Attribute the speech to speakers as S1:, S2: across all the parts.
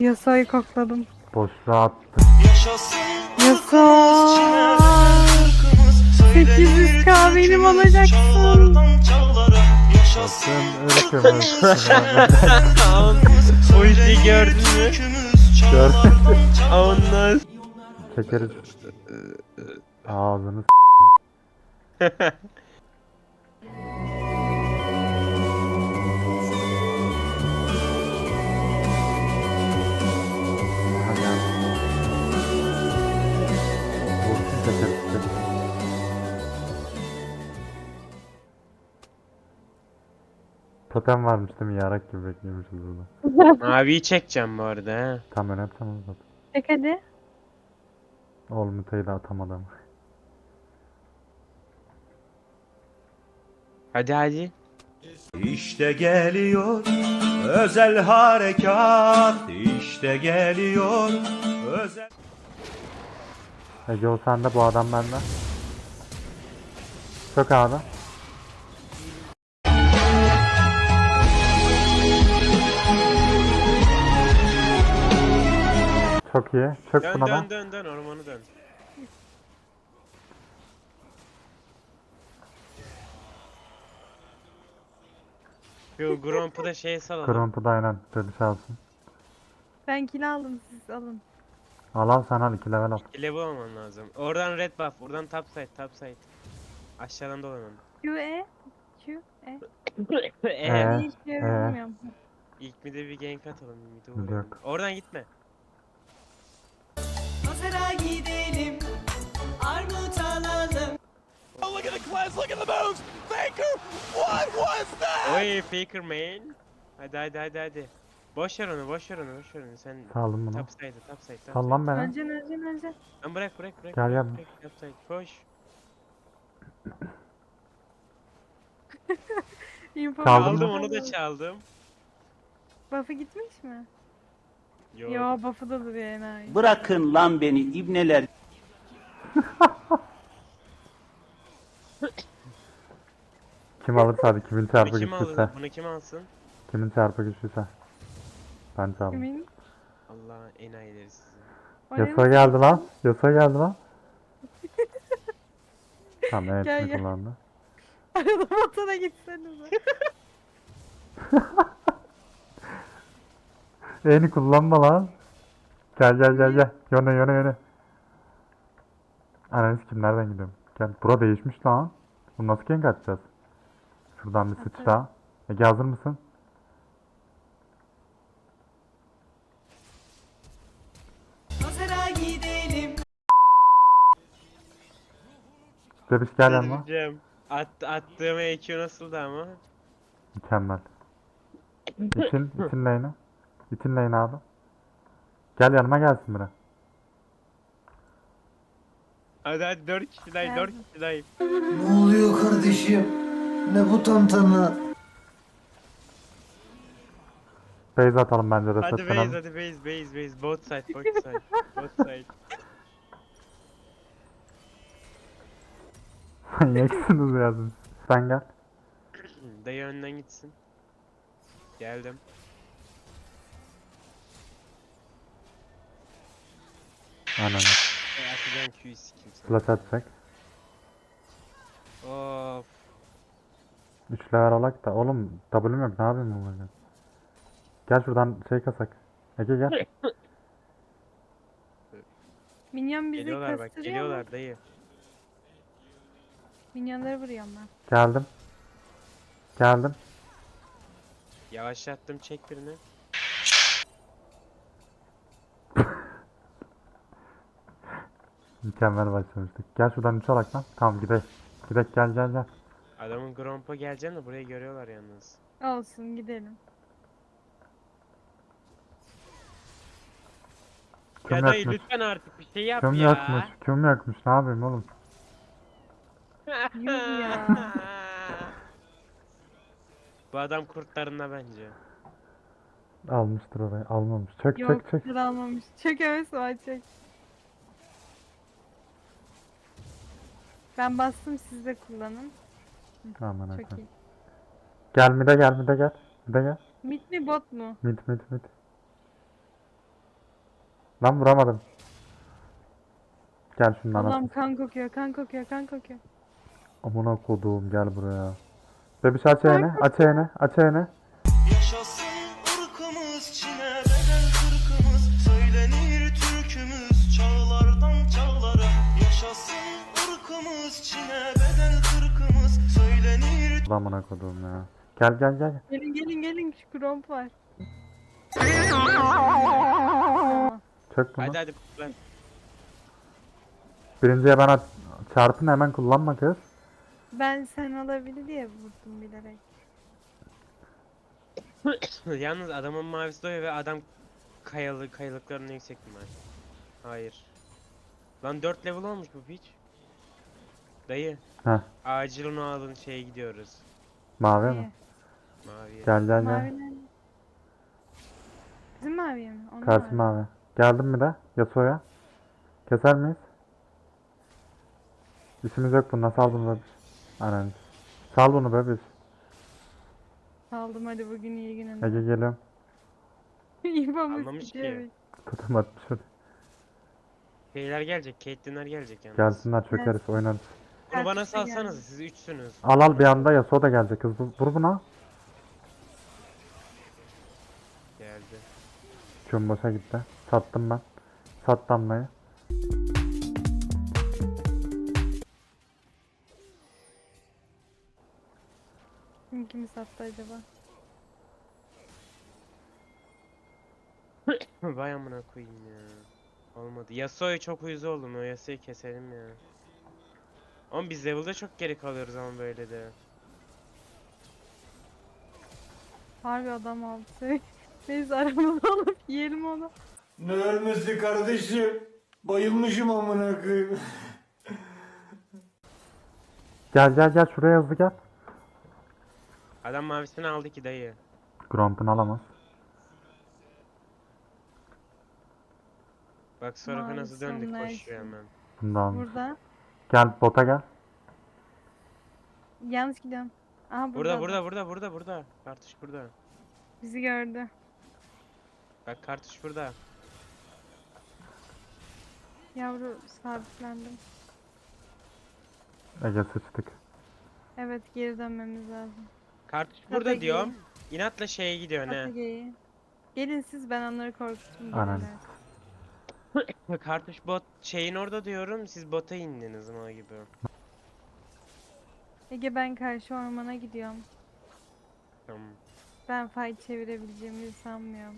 S1: Yasayı kokladım.
S2: Boşluğa attı.
S1: Yasa. 800k benim olacaksın.
S2: Bakın ırkımız.
S3: O işi gördün mü?
S2: Gördün.
S3: Ondan.
S2: Çekeriz. Ağzını Hadi abi. Vursun çekeriz. Totem varmış değil mi? Yarak gibi bekliyormuşuz burada.
S3: Maviyi çekeceğim bu arada ha.
S2: Tam önemsemez zaten.
S1: Çek hadi.
S2: Olmutayı da atamadım.
S3: Hadi hadi.
S4: İşte geliyor özel harekat, işte geliyor özel...
S2: Ege o sende, bu adam bende. Çok abi. Çok iyi. Çök
S3: Dön
S2: buna da.
S3: dön ormanı dön. Şu Gromp'u da şeye salalım.
S2: Kırıntı da aynen. Dedi çalsın.
S1: Ben kill aldım, siz alın.
S2: Al al sen al, 2 level al.
S3: Level olman lazım. Oradan red buff, buradan top side. Aşağıdan dolanın.
S1: Q E. Q E.
S2: Ee?
S1: Ne işe yaramıyor.
S3: İlk mid'e bir gank atalım. Mid'e
S2: Mid
S3: uğrayalım.
S2: yok.
S3: Oradan gitme.
S5: Pazara gidelim, armut alalım.
S3: Oy Faker main. Hadi. Boş ver onu. Sen
S2: Saldım bunu.
S3: top side.
S2: Sal lan beni.
S1: Öleceksin.
S3: Lan bırak.
S2: Gel.
S3: Top side. Koş.
S1: Info
S2: Çaldın
S3: Çaldım
S2: mı?
S3: onu da çaldım.
S1: Buff'ı gitmiş mi?
S3: Yok.
S1: Yo, buff'ı da duruyor enayi.
S6: Bırakın lan beni ibneler.
S2: Kim alırsa hadi, kimin
S3: Bunu
S2: çarpı
S3: kim
S2: güçlüyse.
S3: alır? Bunu kim alsın?
S2: Kimin çarpı güçlüyse. Ben çaldım.
S1: Kimin?
S3: Allah enayileri sizi.
S1: O ne
S2: Yasa
S1: nasıl-
S2: geldi lan. Yasa geldi lan. Tamam, evet
S1: Gel,
S2: mi
S1: gel.
S2: kullandı?
S1: Arada motora gitsenize.
S2: Eni kullanma lan. Gel. Yöne. Ananı kim, nereden gidiyorum? Gel. Bura değişmiş lan. Bunu nasıl gank atacağız? Şuradan bir sıçra. Ege hazır mısın?
S5: Pazara gidelim.
S2: Bebiş gel yanıma.
S3: Delireceğim. Attığım EQ nasıldı ama?
S2: Mükemmel. İtin lane'e. İtin lane'e abi. Gel yanıma, gelsin biri.
S3: Hadi 4 kişiler.
S7: Ne oluyor kardeşim? Ne bu tantana?
S2: Base atalım bence,
S3: Hadi
S2: resetlenelim.
S3: base. Both side.
S2: Manyaksınız ya siz. Sen gel.
S3: Dayı önden gitsin. Geldim.
S2: Aynen.
S3: Atacağım Q'yu sikeyim sana.
S2: Flash atacak.
S3: Of.
S2: 3 level alak da. Oğlum W'm yok, ne yapayım bu böyle? Gel şuradan şey kasak. Ege gel.
S1: Minyon bizi
S3: Geliyorlar bak,
S1: kastırıyor mu?
S3: geliyorlar dayı.
S1: Minyonları vuruyorum ben.
S2: Geldim.
S3: Yavaşlattım, çek birini.
S2: Mükemmel başlamıştık. Gel şuradan 3 alak lan. Tamam gidelim. Gel.
S3: Adamın Gromp'a geleceğim de burayı görüyorlar yalnız.
S1: Olsun, gidelim.
S2: Kim
S3: Ya dayı
S2: yakmış?
S3: lütfen artık bir şey yap
S2: Kim
S3: ya.
S2: yakmış? Kim yakmış? Ne yapayım oğlum?
S1: Yuh ya.
S3: Bu adam kurtlarında bence.
S2: Almıştır orayı. Almamış. Çök.
S1: Yok, almamış. Çök evet, var çök. Ben bastım, siz de kullanın.
S2: Aman
S1: Çok
S2: efendim.
S1: iyi.
S2: Gel. Bir de gel.
S1: Mid mi bot mu?
S2: Mid. Lan vuramadım. Gel şundan
S1: Allah'ım
S2: at.
S1: kan kokuyor, kan kokuyor, kan kokuyor.
S2: Amına koduğum gel buraya. Bebiş aç eğini, aç eğini, aç eğini.
S4: Yaşasın ırkımız Çin'e bedel kırkımız söylenir türkümüz çağlardan çağlara. Yaşasın ırkımız Çin'e bedel kırkımız söylenir.
S2: Amına koduğum ya. Gel gel gel.
S1: Gelin gelin gelin, şu kromp var.
S2: Çök bunu.
S3: Hadi hadi kullan.
S2: Birinciye ben çarpın hemen kullanma kız.
S1: Ben sen alabilir diye vurdum bilerek.
S3: Yalnız adamın mavisi doyuyor ve adam kayalıklarının yüksek ihtimal. Hayır. Lan 4 level olmuş bu piç. Dayı.
S2: Heh.
S3: Acil onu alın şeye gidiyoruz.
S2: Mavi
S1: İyi.
S2: mi?
S3: Maviye.
S2: Gel gel
S1: Mavi
S2: gel.
S1: nerede? Bizim maviye mi? Onun
S2: Karşı mavi. Geldim mi de? Yasuo'ya. Keser miyiz? İşimiz yok bununla. Sal bunu bebiş. Aynen. Sal bunu bebiş.
S1: Aldım, hadi bugün iyi
S2: Ege
S1: gününde.
S2: geliyorum.
S1: İbamış
S3: Anlamış ki.
S1: gidiyor.
S2: Tutum atmış şuraya.
S3: Şeyler gelecek, Caitlyn'ler gelecek yalnız.
S2: Gelsinler çökeriz oynarız.
S3: Bunu bana
S1: Herkese
S3: salsanız
S1: geldi.
S3: siz üçsünüz.
S2: Al al bir anda Yasuo da gelecek. Hızlı vur buna.
S3: Geldi.
S2: Küm boşa gitti. Sattım ben. Sat damlayı.
S1: Kim kimi sattı acaba?
S3: Vay amına koyayım ya. Olmadı. Yasuo'ya çok uyuz oldum. O Yasuo'yu keselim ya. Oğlum biz level'da çok geri kalıyoruz ama böyle de.
S1: Harbi adam aldı. Neyse arabada alıp yiyelim onu.
S7: Ne ölmesi kardeşim? Bayılmışım amına koyayım.
S2: Gel gel gel şuraya hızlı gel.
S3: Adam mavisini aldı ki dayı.
S2: Gromp'unu alamaz.
S3: Bak sonra nasıl
S1: Mavisi
S3: döndük
S1: onlar
S3: koşuyor
S1: için.
S3: hemen.
S2: Bunu da almış.
S1: Burada.
S2: Gel bota gel.
S1: Yanlış gidiyorum. Aha
S3: Burada
S1: burada.
S3: burada. Kartuş burada.
S1: Bizi gördü.
S3: Bak kartuş burada.
S1: Yavru sabitlendim.
S2: Ege sıçtık.
S1: Evet, geri dönmemiz lazım.
S3: Kartuş
S1: Tabii
S3: burada
S1: ki.
S3: diyorum. İnatla şeye gidiyor ne?
S1: Atage'yi. Gelin siz, ben onları korkuttum.
S2: Aynen.
S1: gelirler.
S3: Kartuş bot şeyin orada diyorum. Siz bota indiniz ama gibi.
S1: Ege, ben karşı ormana gidiyorum.
S3: Tamam.
S1: Ben fight çevirebileceğimi sanmıyorum.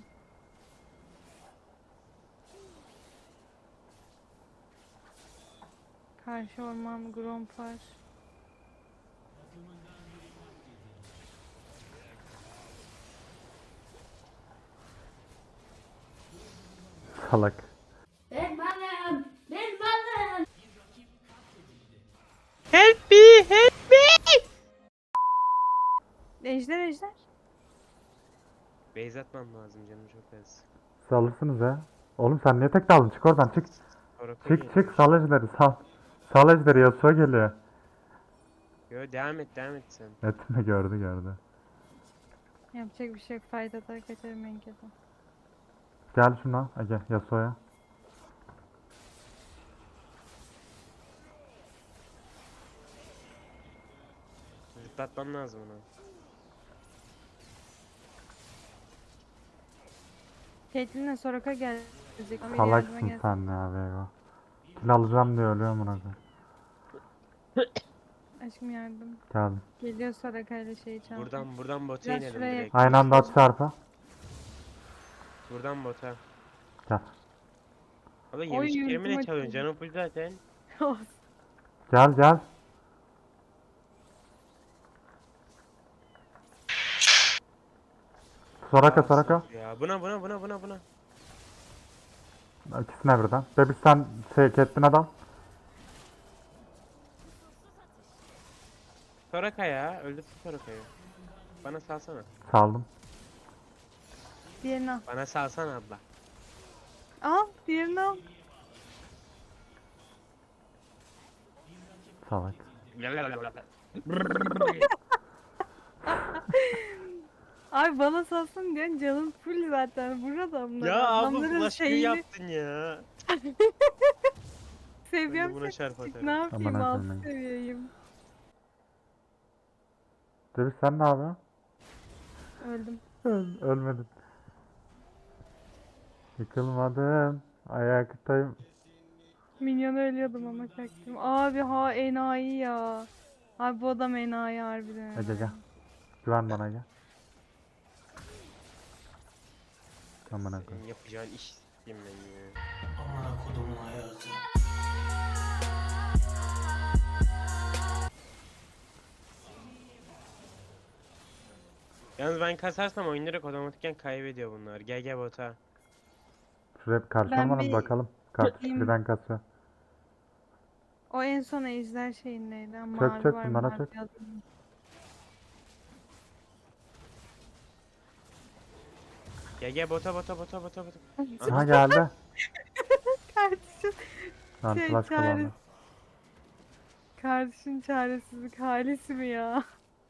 S1: Karşı orman Gromp var.
S2: Salak.
S8: Ben varım. Ben varım.
S3: Help me! Help me!
S1: Ejder.
S3: Base atmam lazım canım çok az.
S2: Siz alırsınız ya. Oğlum sen niye tek daldın? Çık oradan çık.
S3: Oracle
S2: Çık çık sal ejderi sal. Sal ejderi Yasuo geliyor.
S3: Yo devam et sen.
S2: Etme gördü.
S1: Yapacak bir şey yok. Fight atar kaçarım en kötü.
S2: Gel şuna Ege Yasuo'ya.
S3: Zıplatmam lazım onu.
S1: Caitlyn'le Soraka gelecek. Ama yardıma
S2: Salaksın
S1: gelsin.
S2: sen ya Vego. Kill alacağım diye ölüyorum buna koyayım.
S1: Aşkım yardım.
S2: Geldim.
S1: Geliyor Soraka ile şeyi çaldı.
S3: Buradan bota
S1: Biraz
S3: inelim
S1: şuraya
S3: direkt.
S2: Aynı anda at çarpı.
S3: Buradan bota.
S2: Gel.
S3: Abi
S1: Oy,
S3: yemişliklerimi
S1: yürüdüm
S3: ne çalıyorsun?
S1: açıldı.
S3: Canım full zaten.
S2: Gel. Soraka.
S3: Ya buna.
S2: İkisine birden. Bebiş sen Caitlyn'e dal.
S3: Soraka ya. Öldürdü Soraka'yı. Bana salsana.
S2: Saldım.
S1: Diğerini al.
S3: Bana salsana abla.
S1: Al. Diğerini al.
S2: Salak.
S1: Abi bana salsın diyorsun canım full zaten vur adamları.
S3: Ya abla
S1: Adamların
S3: flash Q
S1: şeyini
S3: yaptın ya. Ben de
S1: seviyem
S3: buna
S1: çok
S3: çarp
S1: küçük.
S3: atarım.
S1: Ne yapayım
S2: Aman
S1: alt
S2: akıllı.
S1: seviyeyim.
S2: Demiş sen ne yapıyorsun?
S1: Öldüm.
S2: Ölmedin. Yıkılmadım. Ayaktayım.
S1: Minyona ölüyordum ama çaktım. Abi ha enayi ya. Abi bu adam enayi harbiden
S2: Ege gel.
S1: enayi.
S2: Güven bana gel. Aman
S3: Senin
S2: akıllı.
S3: yapacağın iş s**eyim ben ya.
S4: Amına kodumun hayatı.
S3: Yalnız ben kasarsam oyun direkt otomatikken kaybediyor bunlar. GG bota.
S2: Şuraya bir karşı
S1: Ben
S2: olmadan
S1: bir
S2: bakalım. Karşı
S1: gideyim.
S2: birden kasıyor.
S1: O en son ejder şeyindeydi.
S2: Çök
S1: Mavi
S2: çök
S1: var
S2: bunlara
S1: mavi
S2: çök.
S1: adam.
S3: GG bota bota bota bota bota.
S2: Aha geldi.
S1: Kardeşim
S2: Lan
S1: şey
S2: flash kullandı.
S1: çaresiz. Kardeşin çaresizlik halisi mi ya?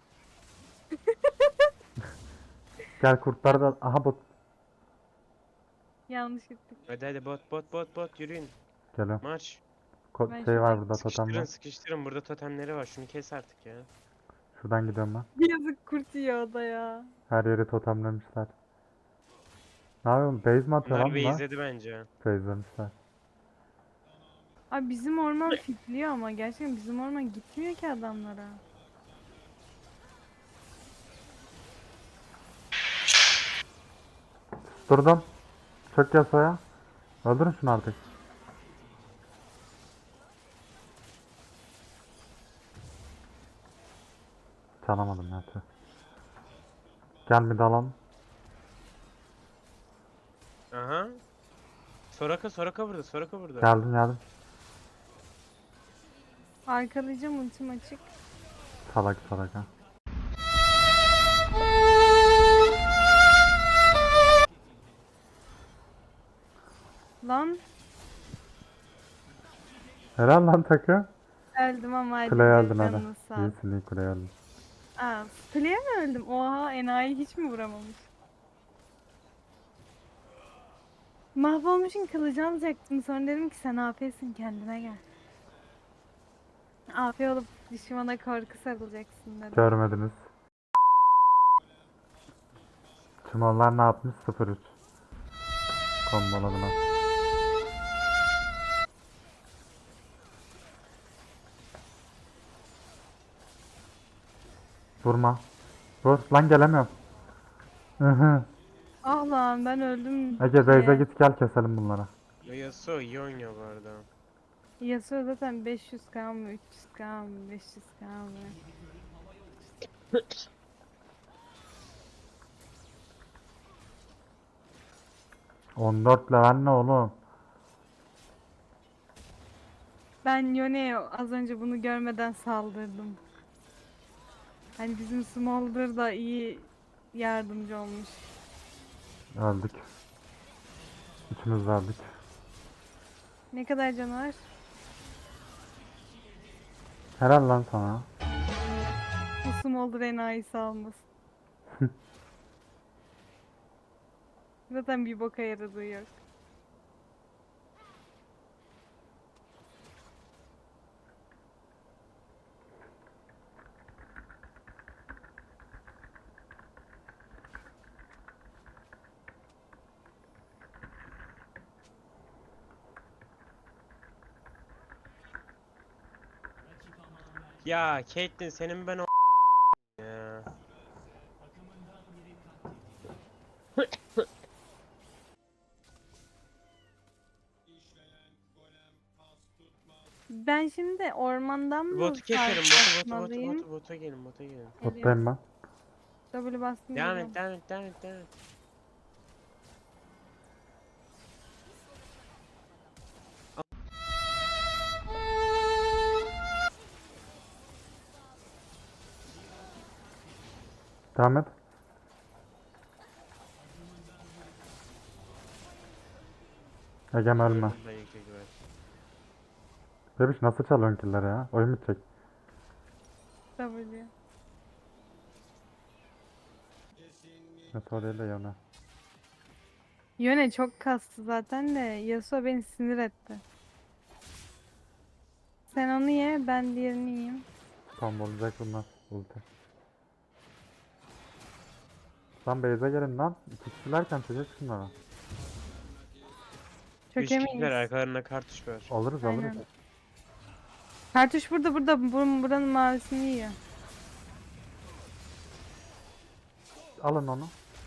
S2: Gel kurtlar da. Aha bot.
S1: Yanlış gittik.
S3: Hadi hadi bot bot bot bot yürüyün.
S2: Geliyorum.
S3: Marş.
S1: Ben
S2: Şey var
S1: şuradan
S2: burada totem
S3: Sıkıştırın
S2: var.
S3: sıkıştırın burada totemleri var. Şunu kes artık ya.
S2: Şuradan gidiyorum ben.
S1: Yazık kurt yiyor o da ya.
S2: Her yeri totemlemişler. Ne yapıyorsun? Base mi atıyor
S3: Bunlar
S2: lan bunlar?
S3: base'ledi bence.
S2: Base'lemişler.
S1: Abi bizim orman fitliyor ama gerçekten bizim orman gitmiyor ki adamlara.
S2: Durdum. Çök yasaya. Öldürün şunu artık. Çalamadım ya. Tüh. Gel bir dalalım.
S3: Aha. Soraka burada Soraka burada.
S2: Geldim geldim.
S1: Arkalayacağım ultim açık.
S2: Salak salak ha.
S1: Lan
S2: Helal lan takı.
S1: öldüm ama hadi
S2: Kuleye öldün hadi.
S1: canını sağ ol.
S2: İyisin iyi kuleye öldün.
S1: Aa, kuleye mi öldüm? Oha enayi hiç mi vuramamış? Mahvolmuşsun kılıcı alacaktım. Sonra dedim ki sen AF'sin kendine gel. AF olup düşmana korku sarılacaksın dedim.
S2: Görmediniz. Çumallar ne yapmış? 0-3. Komboladılar. Vurma. Vur. Lan gelemiyorum. Hı.
S1: Ah lan ben öldüm.
S2: Ege Beyze
S1: şeye.
S2: git gel keselim bunlara.
S3: Yasuo iyi oynuyor bu arada.
S1: Yasuo zaten 500k mı 300k mı 500k mı?
S2: 14 level ne oğlum?
S1: Ben Yone'ye az önce bunu görmeden saldırdım. Hani bizim Smolder da iyi yardımcı olmuş.
S2: Öldük. Üçümüz de öldük.
S1: Ne kadar canı var?
S2: Helal lan sana.
S1: Bu Smolder enayisi almasın. Zaten bir boka yaradığı yok.
S3: Ya Caitlyn senin ben o ya.
S1: Ben şimdi ormandan mı
S3: Botu keselim
S1: atmalıyım?
S3: bota gelin bota gelin.
S2: Bottayım ben.
S1: W bastım.
S3: Devam
S1: geliyorum.
S3: et devam et devam et devam et.
S2: Devam et. Egem ölme.
S3: Ben yüksek ver.
S2: Bebiş nasıl çalıyorsun killleri ya? Oyun bitecek.
S1: W.
S2: Yasuo değil de Yone.
S1: Yone çok kastı zaten de Yasuo beni sinir etti. Sen onu ye, ben diğerini yiyeyim.
S2: Tam olacak bunlar. Ulti. Lan base'e gelin lan. İki kişilerken çocuk şunlara.
S3: Üç kişiler
S1: Çökemeyiz.
S3: arkalarında kartuş var.
S2: Alırız alırız.
S1: Aynen. Kartuş burada. Buranın mavisini yiyor.
S2: Alın onu.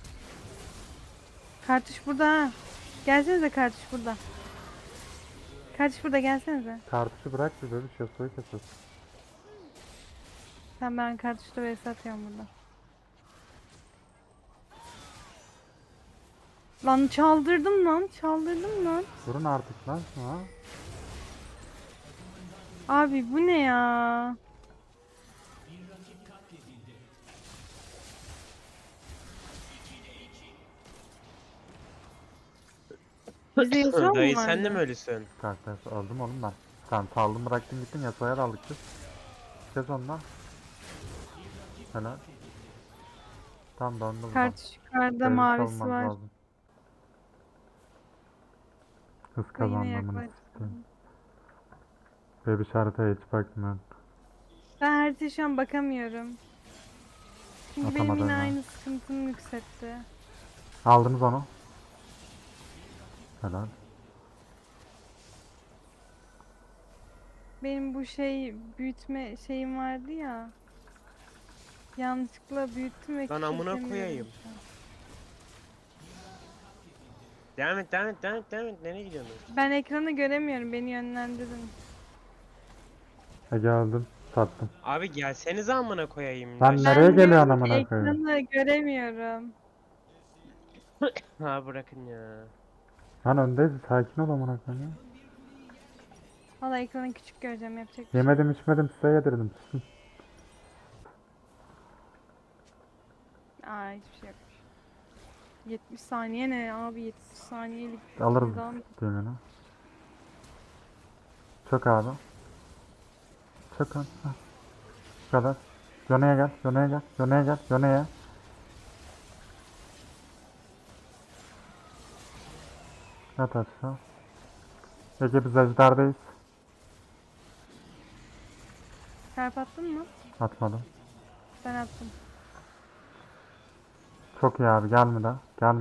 S1: Kartuş burada ha. Gelsenize kartuş burada. Kartuş burada gelsenize.
S2: Kartuşu bırak bir böyle Yasuo'yu kesiyorsun.
S1: Sen ben kartuşta vs atıyorum burada. Lan çaldırdım lan.
S2: Durun artık lan şuna.
S1: Abi bu ne ya? Bize Yasuo mu
S3: Dayı
S1: vardı?
S3: sen de mi öylesin?
S2: Karakter aldım oğlum ben. Sen saldım bıraktın gittin Yasuo'ya da aldık biz. Kes ondan. Helal. Tam döndü buradan.
S1: Kartuş yukarıda
S2: Benim
S1: mavisi
S2: savunmam
S1: var.
S2: lazım. Hız
S1: Yine
S2: kazanmamını
S1: yaklaştı.
S2: istiyorum. Ve bir haritaya hiç bakmıyorum.
S1: Ben haritaya şu an bakamıyorum. Çünkü benim
S2: Atamadın
S1: yine
S2: ha.
S1: aynı sıkıntım yükseltti.
S2: Aldınız onu. Helal.
S1: Benim bu büyütme şeyim vardı ya. Yanlışlıkla büyüttüm ve
S3: Lan amına
S1: küçültemiyorum
S3: koyayım.
S1: şu an.
S3: Devam et. Nereye gidiyorsun?
S1: Ben ekranı göremiyorum. Beni yönlendirin.
S2: Geldim. Sattım.
S3: Abi gelsenize amına koyayım.
S2: Lan
S3: Ya.
S2: nereye
S1: Ben
S2: geliyorsun
S1: diyorum
S2: amına
S1: ki
S2: koyayım?
S1: ekranı göremiyorum.
S3: Ha bırakın ya.
S2: Lan öndeyiz sakin ol amına koyayım. ya.
S1: Valla ekranı küçük göreceğim. Yapacak bir şey.
S2: Yemedim içmedim size yedirdim. Susun.
S1: Aa hiçbir şey yok. 70 saniye ne abi 70 saniyelik
S2: Alırız
S1: devam.
S2: düğümünü. Çok abi. Çok abi. Heh. Bu kadar. Yone'ye gel. Yone'ye. Yat aşağı. Ege biz ejderdayız.
S1: Çarp attın mı?
S2: Atmadım.
S1: Ben attım.
S2: Çok iyi abi gelme de.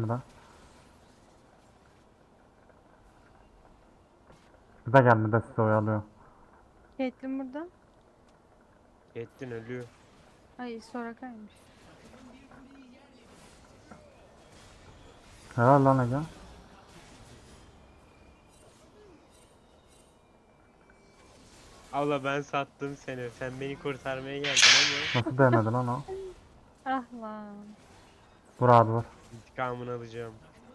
S2: Bir de gelme de sizi oyalıyor.
S1: Caitlyn burada.
S3: Yettin ölüyor.
S1: Ay Soraka'ymış.
S2: Helal lan Ege.
S3: Abla ben sattım seni. Sen beni kurtarmaya geldin ama
S2: Nasıl değmedi lan o?
S1: Ah lan.
S2: Vur abi vur.
S3: intikamını alacağım.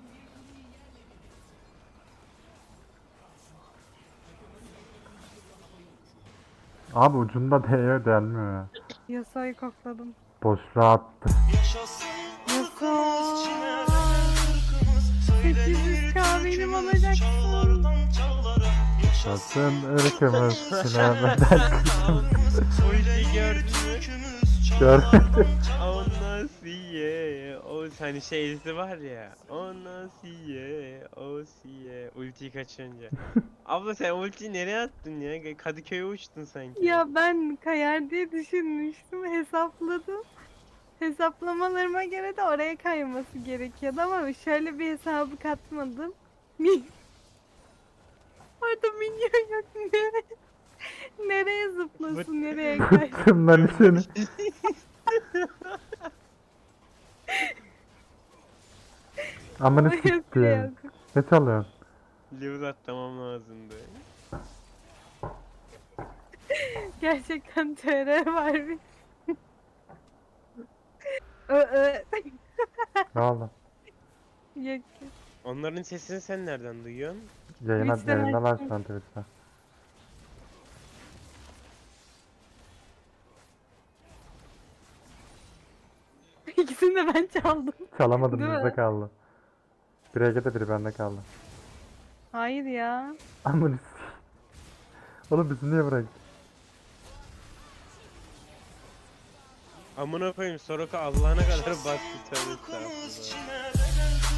S2: Abi ucunda değiyor delmiyor ya.
S1: Yasuo'yu kokladım.
S2: Boşluğa attı.
S1: Yasuo. 800k benim olacaksın.
S2: Sakın ırkımız sinemeden
S3: Ulti gördün mü?
S2: görmedim.
S3: O nasıl ye? O hani şeysi var ya. O nasıl ye? O siye. Ultiyi kaçırınca. Abla sen ultiyi nereye attın ya? Kadıköy'e uçtun sanki.
S1: Ya ben kayar diye düşünmüştüm. Hesapladım. Hesaplamalarıma göre de oraya kayması gerekiyordu ama şöyle bir hesabı katmadım. Orada minyon yok. Nereye zıplasın, nereye kaysın?
S2: Bıktım lan işini. Amını
S1: Oraya
S2: siktir.
S1: yok.
S2: Ne çalıyorsun?
S3: Level atlamam lazımdı.
S1: Gerçekten TR var bir.
S2: Ne oldu?
S1: Yok.
S3: Onların sesini sen nereden duyuyorsun?
S1: Twitch'ten
S2: Yayındalar
S1: açtım.
S2: şu an Twitch'te.
S1: İkisini de ben çaldım.
S2: Çalamadım
S1: Değil
S2: bizde
S1: mi?
S2: kaldı. Biri Ege'de biri bende kaldı.
S1: Hayır ya.
S2: Amını s***. Oğlum bizi niye bıraktın?
S3: Amına koyayım Soroka Allah'ına kadar bastı tövbe estağfurullah.